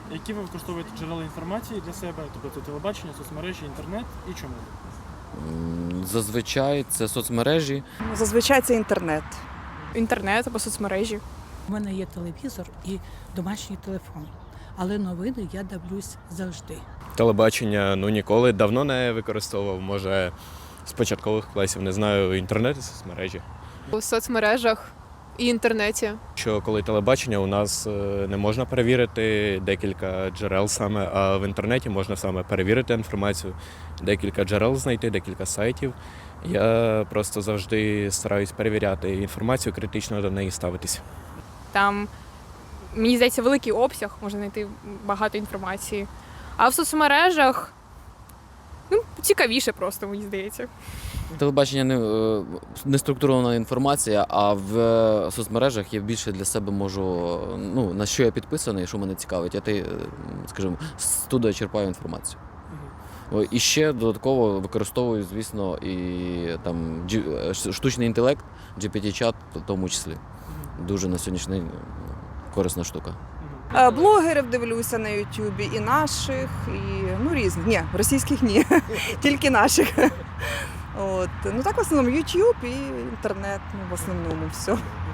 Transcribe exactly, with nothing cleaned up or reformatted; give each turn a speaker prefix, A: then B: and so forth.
A: Які ви використовуєте джерела інформації для себе, тобто це телебачення, соцмережі, інтернет і чому?
B: М, Зазвичай це соцмережі.
C: Зазвичай це інтернет.
D: Інтернет або соцмережі.
E: У мене є телевізор і домашній телефон, але новини я дивлюсь завжди.
F: Телебачення ну ніколи давно не використовував. Може, з початкових класів, не знаю, інтернет і соцмережі.
D: У соцмережах і інтернеті.
F: Що коли телебачення, у нас е, не можна перевірити декілька джерел саме, а в інтернеті можна саме перевірити інформацію, декілька джерел знайти, декілька сайтів. Я просто завжди стараюсь перевіряти інформацію, критично до неї ставитися.
D: Там, мені здається, великий обсяг, можна знайти багато інформації. А в соцмережах ну, цікавіше просто, мені здається.
B: Телебачення не, е, не структурована інформація, а в е, соцмережах я більше для себе можу, ну, на що я підписаний, що мене цікавить, я, те, е, скажімо, туди черпаю інформацію. О, І ще додатково використовую, звісно, і там джі- е, штучний інтелект, джі пі ті-чат в тому числі. Дуже на сьогоднішній день корисна штука.
C: Е, Блогерів дивлюся на Ютубі, і наших, і ну різні. Ні, російських ні, тільки наших. От. Ну так в основному Ютуб і інтернет, ну, в основному все.